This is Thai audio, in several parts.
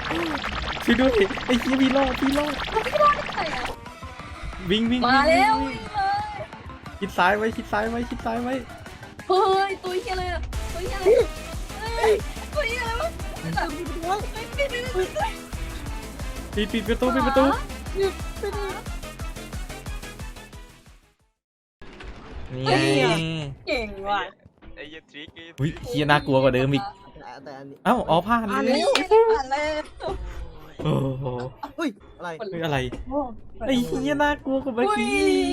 ช่วยด้วยไอ้เหี้ยพี่รอดพี่รอดได้ไงอ่ะวิ่งมาแล้ววิ่งเลยชิดซ้ายไว้ชิดซ้ายไว้ชิดซ้ายไว้เฮ้ยตัวเฮียเลยอะตัวเฮียอะไรเฮ้ยตัวเฮียอะไรวะปิดประตูปิดประตูนี่ไงเก่งว่ะไอ้ยันทริกอุ้ยเหี้ยน่ากลัวกว่าเดิมอีกแต่อันนี้เอ้าอ๋อผ่านเลยผ่านเลยโอ้โหเฮ้ยอะไรเฮ้ยอะไรไอ้เหี้ยน่ากลัวกว่าเมื่อกี้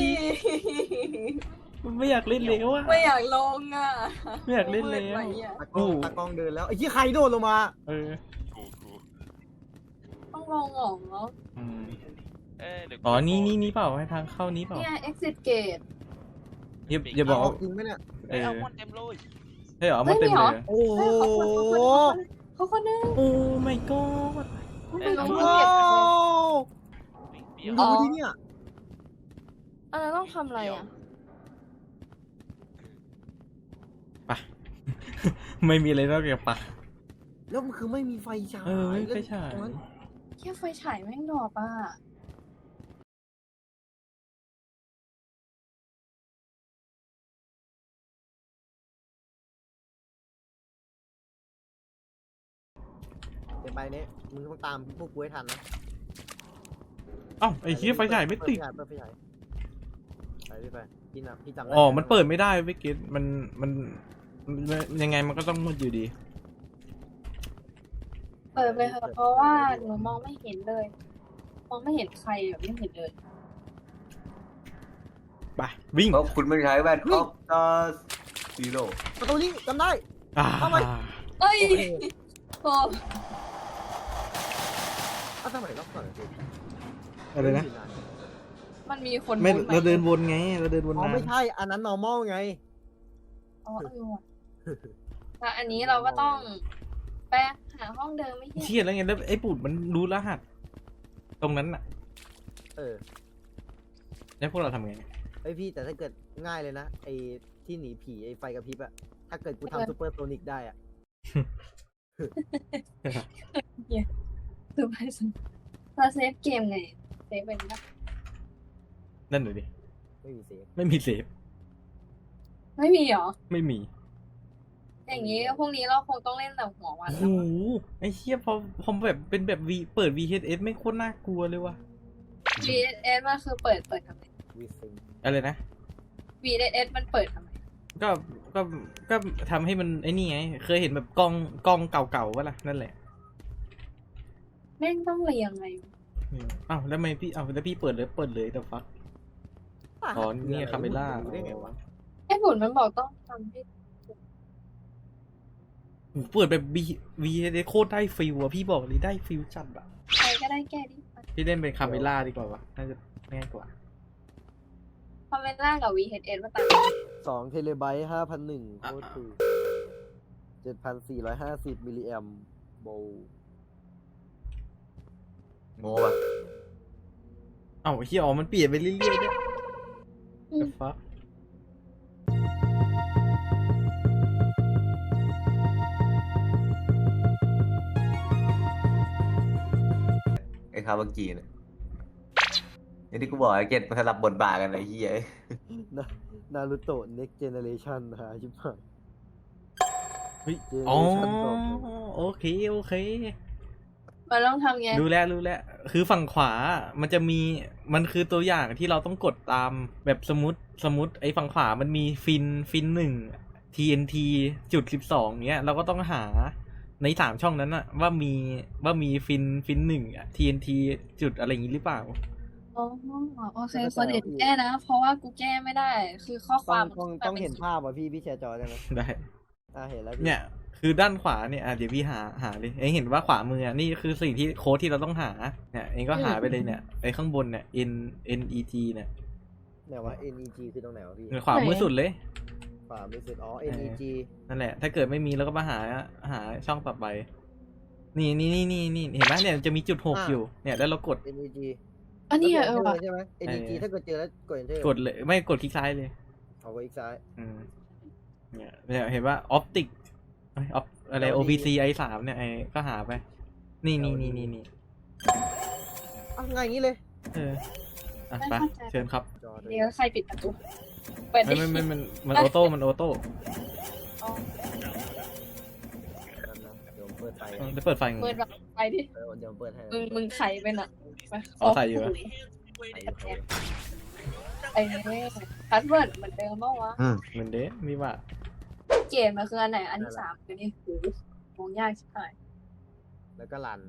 ไม่อยากเล่นแล้วอะไม่อยากลงอ่ะไม่อยากเล่นแล้วตากล้องเดินแล้วไอ้ยี่ใครโดนลงมาเออกูต้องลงเหรออืมเดี๋ยวอ๋อนี่เปล่าให้ทางเข้านี้เปล่าเนี่ย exit gate อย่าบอกจริงไหมเนี่ยเออเอาหมดเต็มเลยใช่เหรอมันเต็มเลยเหรอโอ้โหเขาคนนึงโอ้ my god ไม่ลงโอ้เก็บดูดิเนี่ยอันนั้นต้องทำอะไรอ่ะปะ ไม่มีอะไรนอกจากปะแล้วมันคือไม่มีไฟฉายไม่ไปฉายแค่ไฟฉายแม่งดอกอ่ะเดี๋ยวไปเนี้ยมึงต้องตามพวกกูให้ทันนะเอ้าไอ้เหี้ยไฟฉายไม่ติดเปิดไฟฉายไปไปพี่นะพี่จำอ๋อมันเปิดไม่ได้ไม่เก็ตมันยังไงมันก็ต้องมืดอยู่ดีเปิดไปเถอะเพราะว่าหนูมองไม่เห็นเลย มองไม่เห็นใครแบบไม่เห็นเลยไปวิ่งเพราะคุณไม่ใช้แว่นออฟตัสซีโร่ประตูนี้จำได้อ่าเข้าไปเอ้ยโอเคโอ้อ้าวทำไมรอบก่อนสิอะไรนะมันมีคนไม่พูดหเราเดินวนไงเราเดินวนอ๋อน้ไม่ใช่อันนั้น normal ไงอ๋อว่ะแต่อันนี้เราก็ต้องไปหาห้องเดิมไม่ำใช่เชี่ยแล้วไงแล้วไอ้ปูดมันรู้รหัสตรงนั้นน่ะเออแล้วพวกเราทำไงไอพี่แต่ถ้าเกิดง่ายเลยนะไอที่หนีผีไอไฟกระพริบอะถ้าเกิดกูทำซูเปอร์โซนิกได้อะคือไปสิเราเซฟเกมไงเซฟเป็นนะนั่นเลยดิไม่มีเซฟไม่มีเซฟไม่มีเหรอไม่มีอย่างนี้พวกนี้เราคงต้องเล่นแต่หัววันโอ้โหไอ้เชี่ยพอแบบเป็นแบบวีเปิด VHS ไม่โคตรน่ากลัวเลยว่ะ VSS มันคือเปิดทำไมวีซิงอะไรนะ VSS มันเปิดทำไมก็ก็ก็ทำให้มันไอ้นี่ไงเคยเห็นแบบกล้องเก่าๆวะล่ะนั่นแหละแม่งต้องเรียงไงอ้าวแล้วทำไมพี่อ้าวแล้วพี่เปิดเลยแต่ฟักอ๋อเนี่ยคาเมล่าได้ไงวะไอ้ผลมันบอกต้องทำให้เปิดแบบ VHS โคตรได้ฟิลอะพี่บอกเลยได้ฟิลจัดอะใครก็ได้แก้ดิพี่เล่นเป็นคาเมล่าดีกว่าวะน่าจะง่ายกว่าคอมเมนต์ล่างกับ VSS มาต่าง 2 เทเลไบต์ 5,001 โคตรถูก 7,450 มิลลิแอมโบลโง่ป่ะเอ้าเฮียอ๋อมันเปลี่ยนไปเรื่อยๆด้วยแต่ฟักไอ้คาวากิเนี่ยอย่างที่กูบอกไอ้เกตมันสลับบทบาทกันไอ้เหี้ยนารูโตะ next generation นะฮะชิบหายเฮ้ยเจเนออ๋อเรชั่นต่อโอเคมันต้องทำไงรู้แล้วคือฝั่งขวามันจะมีมันคือตัวอย่างที่เราต้องกดตามแบบสมมติไอ้ฝั่งขวามันมีฟิน1 TNT จุด12เนี้ยเราก็ต้องหาใน3ช่องนั้นอะว่ามีฟิน1 TNT จุดอะไรอย่างนี้หรือเปล่าอ๋อโอเคคนอื่นแก้นะ เพราะว่ากูแก้ไม่ได้ คือข้อความต้องเห็นภาพอ่ะพี่แชร์จอได้ไหมได้เห็นแล้วพี่เนี่ยคือด้านขวาเนี่ยเดี๋ยวพี่หาเลยเองเห็นว่าขวามือนี่คือสิ่งที่โค้ดที่เราต้องหาเนี่ยเองก็หาไปเลยเนี่ยไอ้ข้างบนเนี่ย NEG เนี่ยไหนวะ NEG คือตรงไหนวะพี่ขวามือสุดเลยขวาไม่สุดอ๋อ NEG นั่นแหละถ้าเกิดไม่มีเราก็มาหาช่องต่อไปนี่เห็นไหมเนี่ยจะมีจุด6อยู่เนี่ยแล้วเรากด NEG อันนี้แล้วกว่ะด Enter ใช่ไหม NEG ถ้าเกิดเจอแล้วกด Enter กดเลยไม่กดคลิกซ้ายเลยเอาไว้อีกซ้ายเนี่ยเห็นว่าออปติกอะไร OBC I3 เนี่ยไอ้ก็หาไปนี่อ้าวง่ายอย่างนี้เลยเอออ่ะไปเชิญครับจอเลยเดี๋ยวใครปิดประตูเปิดดิมันออโต้มันออโต้อ๋อเดี๋ยวผมเปิดไฟจะเปิดไฟไงเปิดแบบไปดิเดี๋ยวผมเปิดให้มึงไขเป็นอ่ะไปเอาใส่อยู่อะไฟอยู่ไอ้นี่พาสเวิร์ดเหมือนเดิมป่าวะเหมือนเด้มีว่าเกมมันคืออันไหนอันที่สามคือนี่หูมองยากชิบหายแล้วก็รัน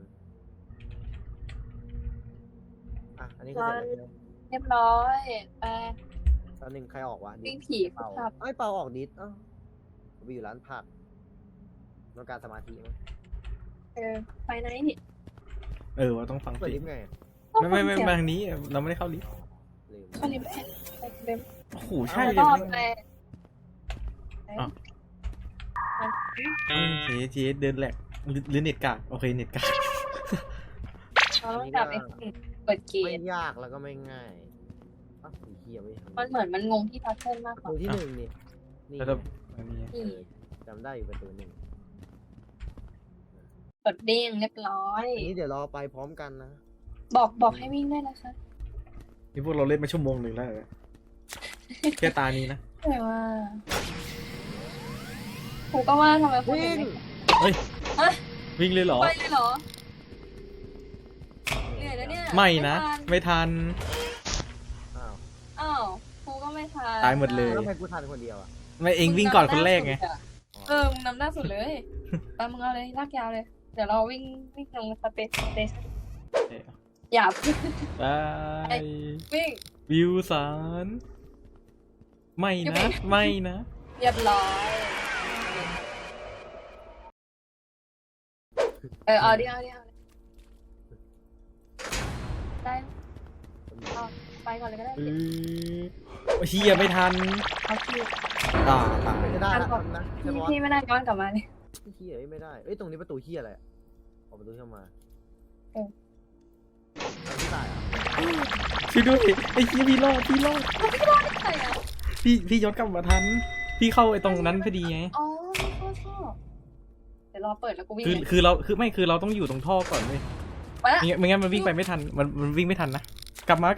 อ่ะอันนี้ก็เสร็จแล้วเรียบร้อยไปตอนหนึ่งใครออกวะวิ่งผีเป่าครับไอ้ยเป่าออกดิสเอ้าไปอยู่ร้านผักต้องการสมาธิมั้ยไปไหนนี่ว่าต้องฟังเปิดสิลิฟต์ไงไม่มาทางนี้เราไม่ได้เข้าลิฟต์ลืมเข้าลิฟต์ไปเดิมโอ้โหใช่เลยรอบแม่งไปเจ๊เดินแหลกหรือเน็ตกากโอเคเน็ตกากเราต้องจับไอ้เปิดเกไม่มยากแล้วก็ไม่ง่ายอ้าวไอ้เหี้ยไม่ทำมันเหมือนมันงงที่พัซเซิลมากประกว่าตูที่หนึ่งนี่นี่แล้วก็อันนี้นี่จำได้อยู่ประตูหนึ่งเปิดเด้งเรียบร้อยอันนี้เดี๋ยวรอไปพร้อมกันนะบอกให้วิ่งด้วยนะคะนี่พวกเราเล่นมาชั่วโมงหนึ่งแล้วเหรอแค่ตานี้นะแต่ว่ากูก็ว่าทำไมคนวิ่อื่งนไม่เฮ้ยฮะวิ่งเลยเหรอไปเลยเหรอเหนื่อยแล้วเนี่ยไม่นะทัไม่ทันอ้าวอ้าวกูก็ไม่ทันตายหมดเลยแล้วทำไมกูทันคนเดียวอ่ะไม่เองวิ่งก่อนคนแรกไงมึงนำหน้าสุดเลยไปมึงเอาเลยลากยาวเลย เดี๋ยวเราวิ่งลงสเตชันอย่าพึ่งไปวิ่งวิวสาร ไม่อย่านะวิ่งไม่นะเรียบร้อยเอาดิได้เอาไปก่อนเลยก็ได้เฮียไม่ทันเอาพี่ตายไม่ได้นะนะใช่ปะพี่ไม่ได้ย้อนกลับมาเลยเฮียไม่ได้เอ้ยตรงนี้ประตูเฮียอะไรอะออกประตูเข้ามาทางที่ตายอ่ะช่วยด้วยไอ้เฮียพี่รอดใช่อ่ะพี่ย้อนกลับมาทัน พี่เข้าไอ้ตรงนั้นพอดีไงอ๋อไม่เข้าท่อเดี๋ยวรอเปิดแล้วกูวิ่งคือเราต้องอยู่ตรงท่อก่อนเว้ยมาละไม่งั้นมันวิ่งไปไม่ทัน มันวิ่งไม่ทันนะ กลับมา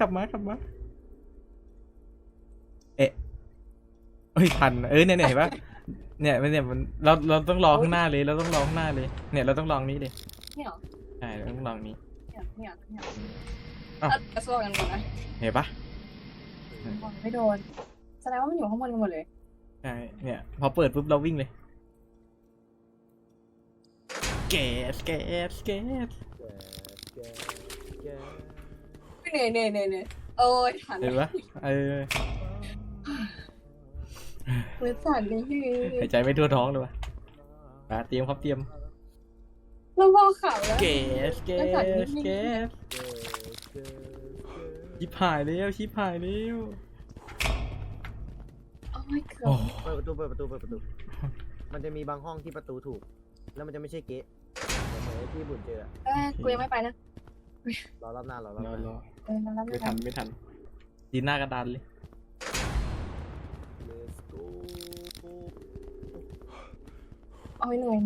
เอ๊ะเฮ้ยทันเนี่ยเห็นปะเนี่ยมันเราต้องรอข้างหน้าเลย เราต้องรอข้างหน้าเลย เนี่ยเราต้องลองนี้เลยเนี่ยเหรอใช่เราต้องลองนี้เนี่ยอ้าวกระซวกกันหมดนะเห็นปะไม่โดนแสดงว่ามันอยู่ข้างบนกันหมดเลยใช่ เนี่ย พอเปิดปุ๊บเราวิ่งเลย แกสแกเหนื่อยโอ้ยทันเห็นปะมือสั่นเลยพี่หายใจไม่ทั่วท้องเลยวะเตรียมครับเตรียมแล้วพอข่าวแล้วแกสชิบหายแล้วโอ้ยเกือโอ้บเปิดประตู มันจะมีบางห้องที่ประตูถูก แล้วมันจะไม่ใช่เก๊ะเหมือนที่บุญเจอกูยังไม่ไปนะรอรอบหน้ารอรรอบหน้าอมันรับไม่ทันยืนหน้ากระดานเลย Let's go โอ้ยเหนื่อย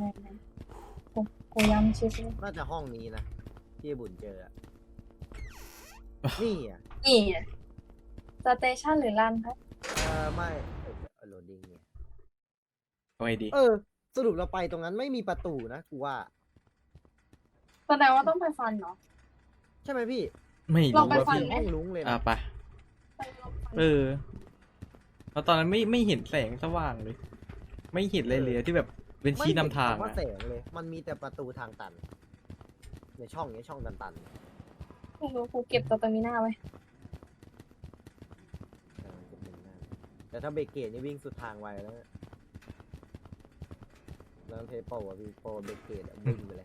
กูย้ำชิดเลยน่าจะห้องนี้นะที่บุญเจออะนี่อ่ะนี่สเตชันหรือรันครับไม่โหลดดิ้งเนี่ยเอาไงดีสรุปเราไปตรงนั้นไม่มีประตูนะกูว่าแสดงว่าต้องไปฟันเนาะใช่ไหมพี่ไม่ลอรู้งไปว่าฟังพี่ห้องลุ้งเลยนะไปแล้วตอนนั้นไม่เห็นแสงสว่างเลย ไม่เห็นเลยเลยที่แบบเป็นชี้นำทางไม่เห็นคำว่าอะแสงเลย มันมีแต่ประตูทางตันในช่องนี้ช่องตันไม่รู้กูเก็บตัวตามิน่าไว้ๆแต่ถ้าเบรกเกตนี่วิ่งสุดทางไวแล้วเนี่ยแล้วเทโปอ่ะพี่โปรเบรกเกตอะวิ่งไปเลย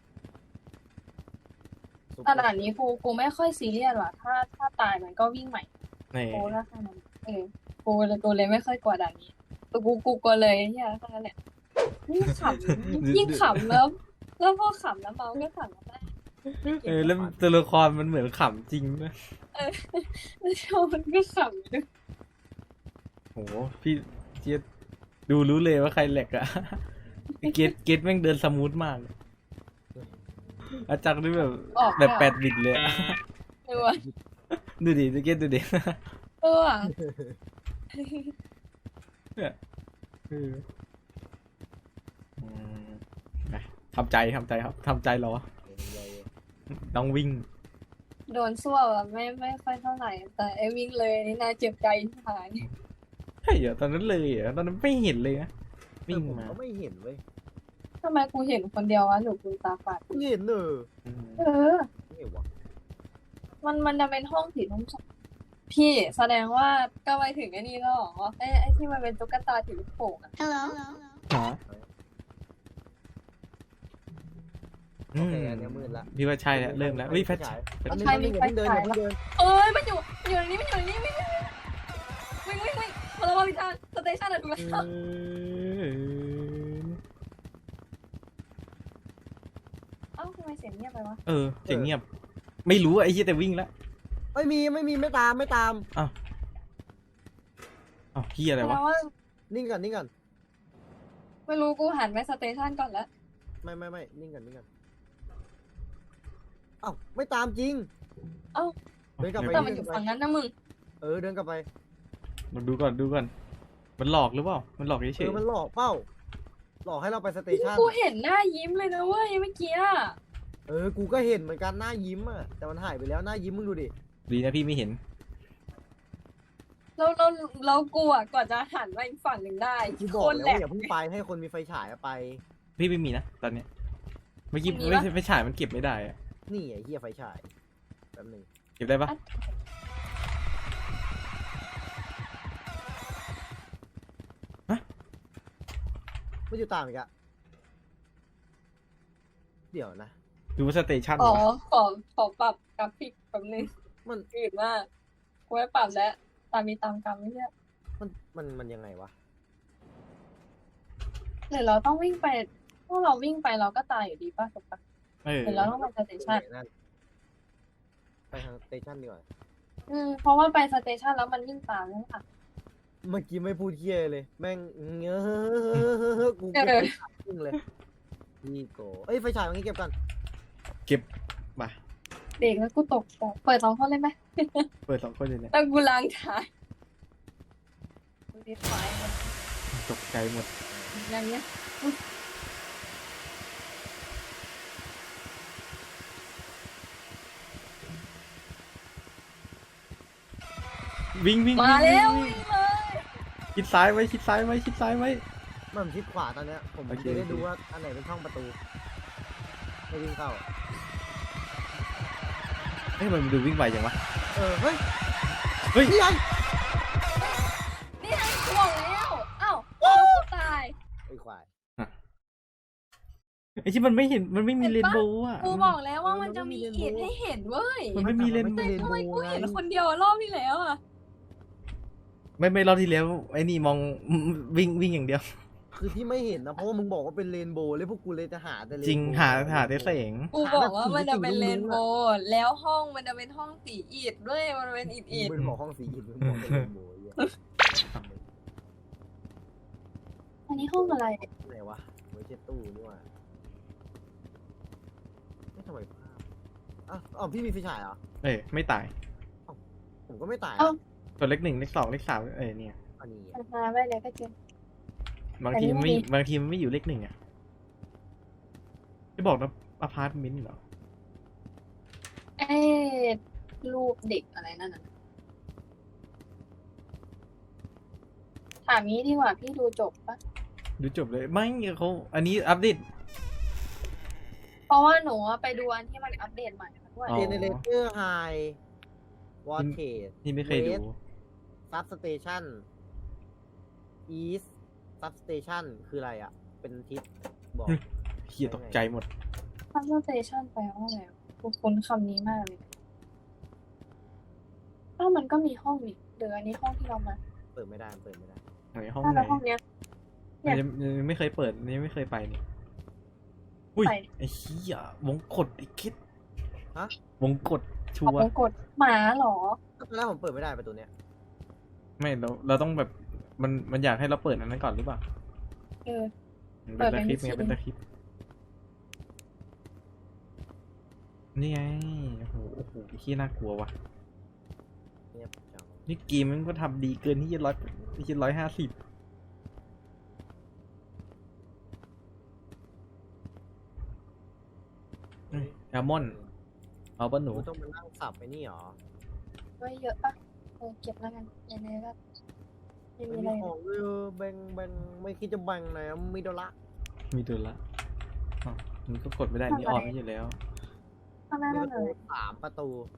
ขนาดนี้กูไม่ค่อยซีเรียสว่ะถ้าตายมันก็วิ่งใหม่นี่กูแล้วขนาดนั้นกูเลยไม่ค่อยกลัวด่านนี้แต่กูกลัวเลยเนี่ยแค่นั้นแหละยิ่งขำแล้วพอขำแล้วเมาก็ขำแล้วได้แล้วตัวละครมันเหมือนขำจริงนะแล้วโชว์มันก็ขำด้วยโหพี่เจี๊ยบดูรู้เลยว่าใครแหลกอะเกตแม่งเดินสมูทมากอาจักนี่แบบออกแบบ 8 บิตเลยอะเออว่ะดูดิดูเก็ตดูดิเออว่ะเนี่ยเอออืมไปทำใจครับทำใจรอต้องวิ่งโดนซั่วแบบไม่ค่อยเท่าไหร่ แต่ไอ้วิ่งเลยนี่น่าเจ็บใจที่หายใช่เหรอตอนนั้นเลยเหรอตอนนั้นไม่เห็นเลยนะวิ่งผมมาก็ไม่เห็นเว้ยทำไมกูเห็นคนเดียววะหรือกูตาฝาดไม่เห็นเนอะอืมเออไม่เห็นวะมันจะเป็นห้องสีน้ำพี่แสดงว่าก็ไปถึงไอ้นี่แล้วเหรอไอ้ที่มันเป็นตุ๊กตาถือลูกโป่งอะหาโอเคอันเนี้ยมืดละพี่ว่าใช่แล้วเริ่มแล้ววิแฟชแป๊บนึงแป๊บนึงอย่าเพิ่งเดินอย่าเพิ่งเดินเอ้ยมันอยู่ในนี้มันอยู่ในนี้วิ่งมาแล้วมาพิจารสเตชันอะถูกแล้วเอ้าทำไมเสียงเงียบไปวะเออเสียงเงียบ ไม่รู้อะไอ้เหี้ยแต่วิ่งแล้วไม่มีไม่ตามไม่ตามอ้าวเหี้ยอะไรแปลวะว่านิ่งก่อนไม่รู้กูหันไปสเตชันก่อนแล้วไม่นิ่งก่อนเอ้าไม่ตามจริงเอ้าเดินกลับไปแต่มันอยู่ฝั่งนั้นนะมึงเดินกลับไปมาดูก่อนมันหลอกหรือเปล่ามันหลอกเฉยมันหลอกเป้า หลอกให้เราไปสเตชันกูเห็นหน้ายิ้มเลยนะเว้ยเมื่อกี้อะกูก็เห็นเหมือนกันหน้ายิ้มอะแต่มันหายไปแล้วหน้ายิ้มมึงดูดิๆดีนะพี่ไม่เห็นแล้วกูอะกว่าจะหันไปอีกฝั่งหนึ่งได้กูบโคอกตรแล้วแหลว่าก อย่าเพิ่งไปให้คนมีไฟฉายอะไปพี่ไม่มีนะตอนเนี้ยเมื่อกี้มีปะไม่ฉายมันเก็บไม่ได้อะนี่ไอ้เหี้ยไฟฉายแป๊บนึงเก็บได้ปะไม่อยู่ตามอีกอะเดี๋ยวนะดูว่าสเตชันอ๋อวะขอปรับกราฟิกแป๊บนึงมันอืดมากกูไม่ปรับแล้ว ตามมีตามกรรมไม่ใช่มันยังไงวะหรือเราต้องวิ่งไปพวกเราวิ่งไปเราก็ตายอยู่ดีป่ะถูกปะเออหรือเราต้องไปสเตชันนั่นไปทางสเตชันดีกว่าเพราะว่าไปสเตชันแล้วมันวิ่งตามนั่นค่ะเมื่อกี้ไม่พูดเคียเลย แม่งกูเออขึ้นเลยพี่โกเอ้ยไฟฉายตรงนี้เก็บกันเก็บมาเด็กแล้วกูตกใจเปิด2 คนเลยไหมเปิด2 คนเลยเนี่ยแล้วกูล้างถ่ายดูดิไฟมันตกใจหมดอย่างเงี้ยวิ่งมาแล้ววิ่งวิ่งเลยชิดซ้ายไว้ชิดซ้ายไว้มันชิดขวาตอนเนี้ยผมโอเคจะได้ดูว่าอันไหนเป็นช่องประตูไม่วิ่งเข้าเฮ้ยมันดูวิ่งไวจังวะเฮ้ยเฮ้ยนี่ไงนี่ไงกูบอกแล้วอ้าวแล้วกูตายไอ้ควายไอ้ที่มันไม่เห็นมันไม่มีเรนโบว์อ่ะกูบอกแล้วว่ามันจะมีอิฐให้เห็นเว้ยมันไม่มีเรนโบแต่ว์ทำไมกูเห็นคนเดียวรอบที่แล้วอะไม่รอบที่แล้วไอ้นี่มองวิ่งอย่างเดียวคือที่ไม่เห็นนะเพราะว่ามึงบอกว่าเป็นเรนโบว์เลยพวกกูเลยจะหาแต่เรนโบว์จริงหาแต่แสงกูบอกว่ามันจะเป็นเรนโบว์แล้วห้องมันจะเป็นห้องสีอิฐด้วยมันเป็นอิฐมึงเป็นบอกห้องสีหินมึงบอกเป็นเรนโบว์ไอ้เหี้ยอันนี้ห้องอะไรไหนวะไม่ใช่ตู้นี่หว่าทำไมภาพอ๋อพี่มีไฟฉายเหรอเอ้ยไม่ตายผมก็ไม่ตายเอ้าตัวเลข 1 เลข 2 เลข 3เนี่ยอันนี้มาไม่เลยก็เจอบางทีมันแต่ไม่นี่มีบางทีมันไม่อยู่เลข 1อ่ะจะบอกนะอพาร์ตเมนต์เหรอเอ้รูปเด็กอะไรนั่นน่ะถามนี้ดีกว่าพี่ดูจบปะดูจบเลยไม่เขาอันนี้อัปเดตเพราะว่าหนูอะไปดูอันที่มันอัปเดตใหม่มาด้วยอ๋อเจเนเรเตอร์ไฮวอเทสนี่ไม่เคยดูซับสเตชันอีสซับสเตชันคืออะไรอ่ะ เป็นทิศบอกเฮียตกใจหมดซับสเตชันแปลว่าอะไรกูคุ้นคำนี้มากเลยอ้าวมันก็มีห้องนี่เดี๋ยวอันนี้ห้องที่เรามาเปิดไม่ได้เปิดไม่ได้ไหนห้องถ้าไหนแล้วห้องเนี้ย เนี่ยยังไม่เคยเปิดนี่ไม่เคยไปนี่อุ้ยไปไอ้เหี้ยวงกดไอ้คิดฮะวงกดชัขอบวไปร์กดหมาเหรอตอนแรกผมเปิดไม่ได้ประตูเนี้ยไม่เราต้องแบบมันอยากให้เราเปิดอันนั้นก่อนหรือเปล่าเออมันเปิเป็นดตะคริปเป็นไงวิธีเป็นตะคริปนี่ไงโอ้โหโอ้โหขี้น่ากลัวว่ะเงียบจังนี่เกมมันก็ทำดีเกินที่จะ150แอลมอนเอาปะหนูกูต้องมานั่งสับไปนี่หรอไว้เยอะปะเก็บแล้วกันยังไงก็ไม่มีไม่อะไรมีของเลยแบ่งไม่คิดจะแบ่งไหนอะมีดอลละมีตัวละอ้าวมันก็กดไม่ได้นี่ออนไม่อยู่แล้วข้างหน้ามีนั่ปนระเลตูย 3 ประตู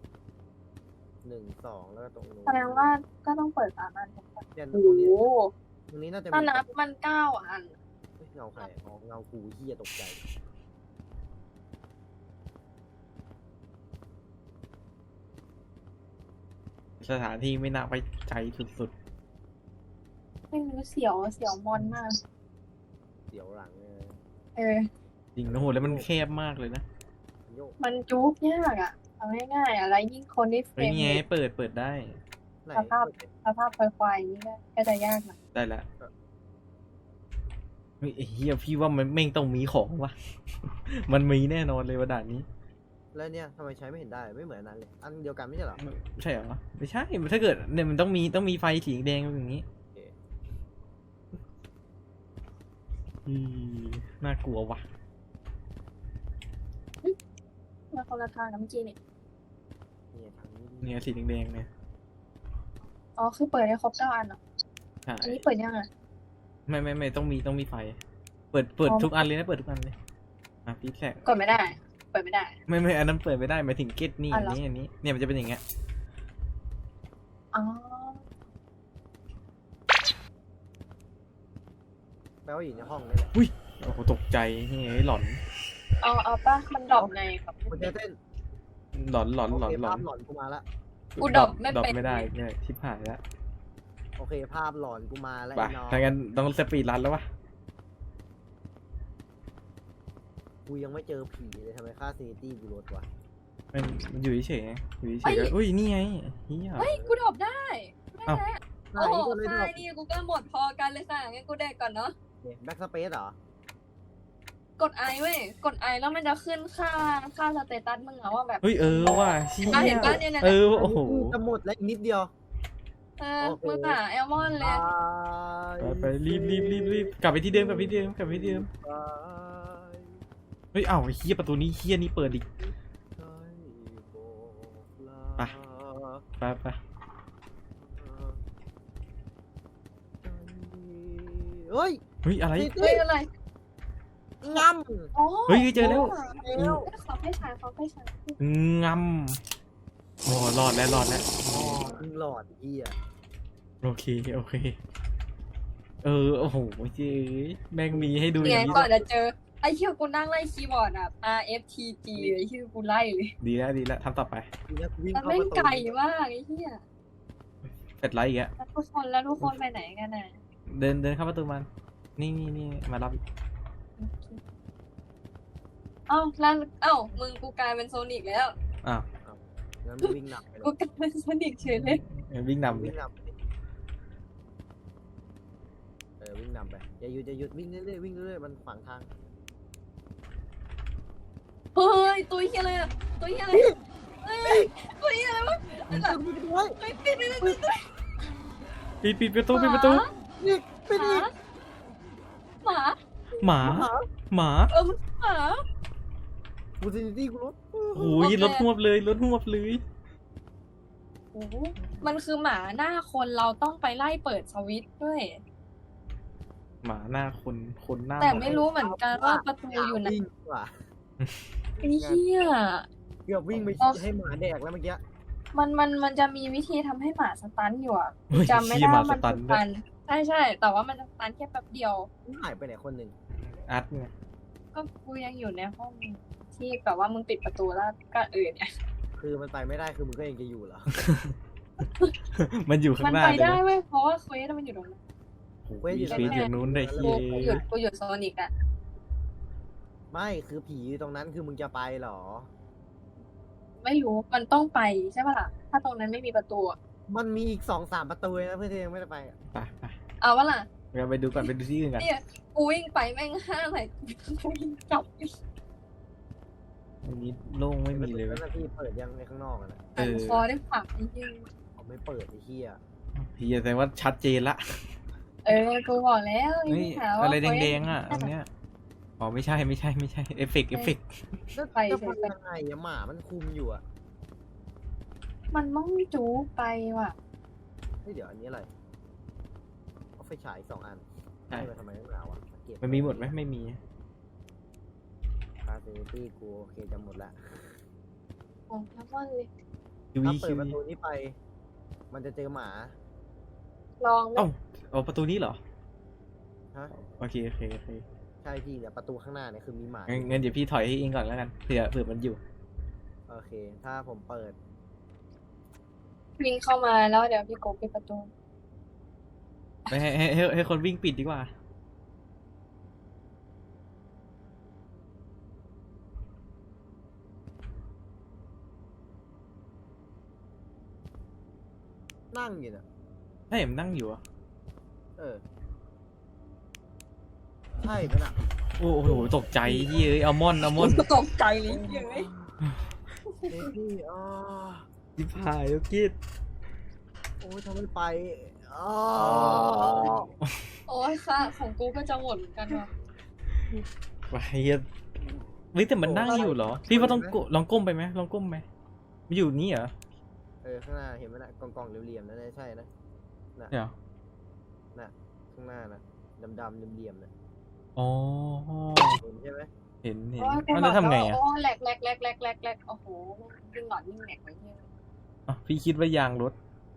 1 2 แล้วก็ตรงนู้นแสดงว่าก็ต้องเปิด3 อันเนี่ยตโอ้รงโหนี้ตรงนี้น่าจะถ้ามีนับมัน9 อันเฮ้ยเงาใครอ๋อเงากูเฮียตกใจสถานที่ไม่น่าไปใจสุดไม่รู้เสียวมอนมากเสียวหลังเลยเออๆจริงนะโหแล้วมันแคบมากเลยนะโยกมันจุ๊บยากอ่ะเอาง่ายๆอะไรยิ่งคนที่เฟรเฮ้ยมนี่ไงเรทเปิดได้ไหนสภาพควายๆอย่างนี้ก็จะยากหน่อยได้ละเฮ้ยไอ้เฮียพี่ว่ามันแม่งต้องมีของว่ะ มันมีแน่นอนเลยว่าด่านนี้แล้วเนี่ยทำไมใช้ไม่เห็นได้ไม่เหมือนอันนั้นเลย อันเดียวกันไม่ใช่เหรอใช่เหรอไม่ใช่ถ้าเกิดเนี่ยมันต้องมีไฟสีแดงอย่างนี้โอเคอืมน่ากลัวว่ะมาคนละทางกับเมื่อกี้นี่เนี่ยทางนี้เนี่ยสีแดงๆเนี่ยอ๋อคือเปิดได้ครบ9 อันเหรอใช่อันนี้เปิดยังอ่ะไม่ต้องมีไฟ เปิดอ๋อทุกอันเลยนะเปิดทุกอันเลยอ่ะพี่แทรกกดไม่ได้ เปิดไม่ได้ไม่อันนั้นเปิดไม่ได้หมายถึงเกตนี่อ๋ออันเหรอนี้เนี่ยมันจะเป็นอย่างเงี้ยอ๋อแปลว่าอยู่ในห้องนี่แหละโอ้โหตกใจนี่ไงหลอนเอาป่ะมันดรอปไงครับมันจะเต้นหลอนโอเคภาพหลอนกูมาละกูดรอปไม่ดรอปเป็นไม่ได้เนี่ยชิบหายแล้วโอเคภาพหลอนกูมาแล้วไปไอ้น้องถ้างั้นต้องสปีดรันแล้ววะกูยังไม่เจอผีเลยทำไมค่าซีนิตี้กูลดวะมันอยู่เฉยๆไงอยู่เฉยๆก็อุ้ยนี่ไงเฮียเฮ้ยกูดรอปได้ได้อ้าวแล้วไหนโอ้โหก็เลยดรค่าอย ปนี่กูก็หมดพอกันเลยค่ะงั้นกูแดกก่อนเนาะแบ็กสเปซเหรอกดไอเว้ยกดไอแล้วมันจะขึ้นค่าสเตตัสมึงอะว่าแบบเฮ้ยว่ะเชี่อ่ะเห็ยนปะเนี่ยโอ้โหจะหมดแล้วอีกนิดเดียว โอเคมึงอะแอลมอนเลยไปรีบกลับไปที่เดิมเฮ้ยอ้าวไอ้เฮียประตูนี้เฮียนี่เปิดอีก ไป ไปเฮ้ยเฮ้ยอะไรเฮ้ยอะไรงอ๋อเฮ้ยเจอแล้วขอไฟฉายงำโอ้รอดแล้วำอ๋อมึงหลอดเฮียโอเคโอ้โหเจ๊แม่งมีให้ดูอไงย่างนี้ก่อนจะเจอไอ้เชี่ยกูนั่งไล่คีย์บอร์ดอะ R F T G ไอ้เชี่ยกูไล่เลยดีแล้วทำต่อไปทีนี้กูวิ่งมันเข้าเล่ปนระตูไก่มากไอ้เชี่ยเสร็จแล้วอีกอะแล้วทุกคนไปไหนกันน่ะเดินเข้าประตูมันนี่มารับเอ้าแล้วเอ้ามึงกูกลายเป็นโซนิกแล้วอ้าวงั้นมึงวิ่งหนักไปเลกูยกลายเป็นโซนิกเฉยเลยวิ่งนำเลวิ่ยงนำไปดิวิ่งนำไปอย่าหยุดวิ่งเรื่อยๆวิ่งเรื่อยๆมันขวางทางเฮ้ยตัวเฮียอะไรอะตัวเฮียอะไรเฮ้ยตัวเฮียอะไรวะปิดประตูไว้เฮ้ยปิดปิดประตูนี่ปิดอีกหมาหมาเออหมากูซินิตี้กูลดโอ้ยรถหวบเลยโอ้โหมันคือหมาหน้าคนเราต้องไปไล่เปิดสวิตช์ด้วยหมาหน้าคนหน้าแต่หาไม่รู้เหมือนกันว่าประตูอยู่ไหนวิ่งว่ะไอ้เหี้ยเกือบวิ่งไปให้หมาแดกแล้วเมื่อกี้มันจะมีวิธีทำให้หมาสตันอยู่อ่ะเฮ้ยจำไม่เหี้ได้ยหมาว่าสมันตันสด้วตัยนใช่แต่ว่ามันจะสตันแค่แป๊บเดียวหายไปไหนคนหนึ่งอัดไงก็กูยังอยู่ในห้องที่แบบว่ามึงปิดประตูแล้วก็เนี่ยคือมันไปไม่ได้คือมึงก็ยังจะอยู่เหรอมันอยู่ข้ามังนหน้าไปเลยได้นะเว้ยเพราะว่าเควสมันอยู่ตรงนั้นโอ้ยชีวิตอย่างนู้นได้กูเฮียกูหยุดโซนิกอะไม่คือผีอยู่ตรงนั้นคือมึงจะไปเหรอไม่รู้มันต้องไปใช่ปะล่ะถ้าตรงนั้นไม่มีประตูอะมันมีอีก2-3 ประตูเลยนะเพื่อนที่ยังไม่ได้ไปอะไปเอาวะล่ะเราไปดูก่อนไปดูที่อื่นกันเนี่ยกูวิ่งไปแม่ง5 อะไรกูวิ่งกลับอันนี้โล่งไม่มีเลยแล้วนะพี่เปิดยังในข้างนอกอะนะเออคอได้ผักไอ้เหี้ยเขาไม่เปิดไอ้เหี้ยพี่แสดงว่าชัดเจนละกูบอกแล้วเฮ้ยหาว่าอะไรเขาแดงๆอ่ะตรงเนี้ยอ๋อไม่ใช่เอฟเฟกต์แล้วไปจะเฉพัยนๆยังไงอะหมามันคุมอยู่อะมันต้องจู๊ไปว่ะเฮ้ยเดี๋ยวอันนี้อะไรเอาไฟฉาย2 อันใช่ให้มาทำไมต้องหนาวอะสังเกตมันมีหมดไหมไม่มีคาเซนิตี้กูโอเคจะหมดละของน้ำมันเลยคิวถ้าอีเปิคิดวประตูนี้ไป มันจะเจอหมาลองไหมเอ้าเอาประตูนี้เหรอฮะโอเคใช่พี่แต่ประตูข้างหน้าเนี่ยคือมีหมางั้นเดี๋ยวพี่ถอยให้เองก่อนแล้วกันเผื่อมันอยู่โอเค ถ้าผมเปิดวิ่งเข้ามาแล้วเดี๋ยวพี่โกปิดประตูไม่ให้คนวิ่งปิดดีกว่านั่งอยู่น่ะให้ผมนั่งอยู่อ่ะเออ ใช่ปะน่ะโอ้โหตกใจเฮ้ยอัลมอนด์ตกใจเลยเย้ยเฮ้ยพี่อ๋อจิบหายแล้วกิดโอ้ยทำไม่ไปอ๋อโอ้ยค่ะ ของกูก็จะหมดเหมือนกันว่ะไปเฮ้ยเฮ้ยแต่มันนั่งอยู่เหรอ พี่ว่าต้องลองก้มไปไหมลองก้มไหมมันอยู่นี่เหรอข้างหน้าเห็นไหมน่ะกล่องๆเหลี่ยมๆนั่นน่ะใช่นะน่ะเดี๋ยวน่ะข้างหน้านะดำๆเหลี่ยมๆน่ะอ๋อเห็นใช่ไหมเห็นโอ้ยกูแล้วทำไงบกอ่ะโอ้ยแหลกโอ้โหวิ่งหลอดวิ่งแหลกไปเหี้ยอ่ะพี่คิดว่ายางรถ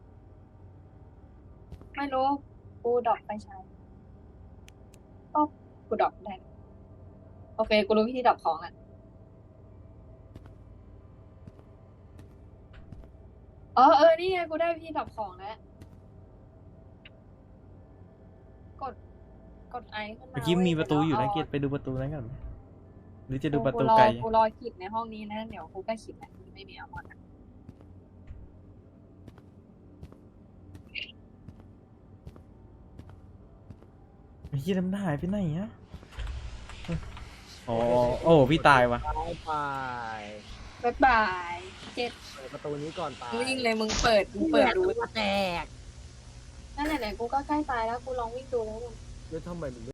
ไม่รู้ กูดรอปไปใช้ก็กูดรอปได้ โอเค กูรู้วิธีดรอปของอ่ะ นี่ไง กูได้วิธีดรอปของแล้ว กดไอขึ้นมาเมื่อกี้มีประตูอยู่นะเเกียรติไปดูประตูนั้นก่อนไหมหรือจะดูกูประตูรอไกลกูรอขีดในห้องนี้นะ เดี๋ยวกูก็ขีดนะไม่มีเอาหมดอะไอ้เหี้ยน้ำหน้าหายไปไหนอ่ะอ๋อโอ้พี่ตายวะไปบ๊ายบายเจ็ดเปิดประตูนี้ก่อนไปมึงยิงเลยมึงเปิดดูแตกนั่นแหละกูก็ใกล้ตายแล้ว กูลองวิ่งดูแล้วแล้วทำไมมัน